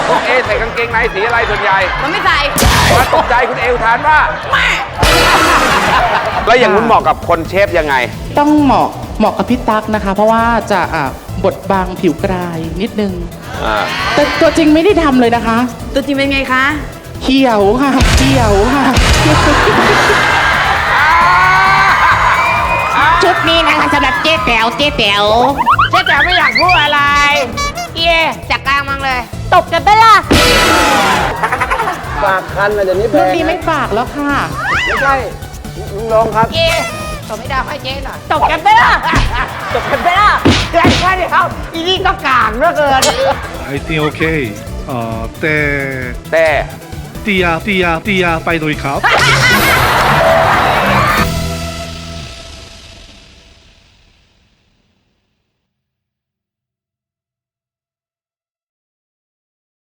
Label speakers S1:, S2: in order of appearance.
S1: คุณเอใส่กางเกงในสีอะไรส่วนใหญ่
S2: มันไม่ใส่
S1: มาตกใจคุณเออุทานว่า
S2: แม่
S1: แล้วอย่างคุณเหมาะกับคนเชฟยังไง
S3: ต้องเหมาะกับพี่ตั๊กนะคะ เพราะว่าจะบดบางผิวกรายนิดนึง แต่ตัวจริงไม่ได้ทำเลยนะคะ
S2: ตัวจริงเป็นไงคะ
S3: เขียวค่ะเขียวค่ะ
S4: ชุดนี้นะคะสำหรับเจ๊แต๋วเจ๊แต๋วเจ๊แต๋วไม่อยากพูดอะไรเย่จัดกลางมังเลย ตบกันไปล่ะ
S5: ฝากคันนะเดี๋ยวนี้แพ
S3: รุ่น
S5: ง
S3: นี้ไม่ฝากแล้วค่ะ
S5: ไม่ใช่ลุงลงครับ
S4: เย่ตบไม่ได้ให้เจ๊หน่อยตบกันไปล่ะตบกันไปล่ะแค่เดียวอีนี่ก็กลางเหลือเกิน
S6: I think okay แต่
S1: แต่
S6: เตียไปโดยครับ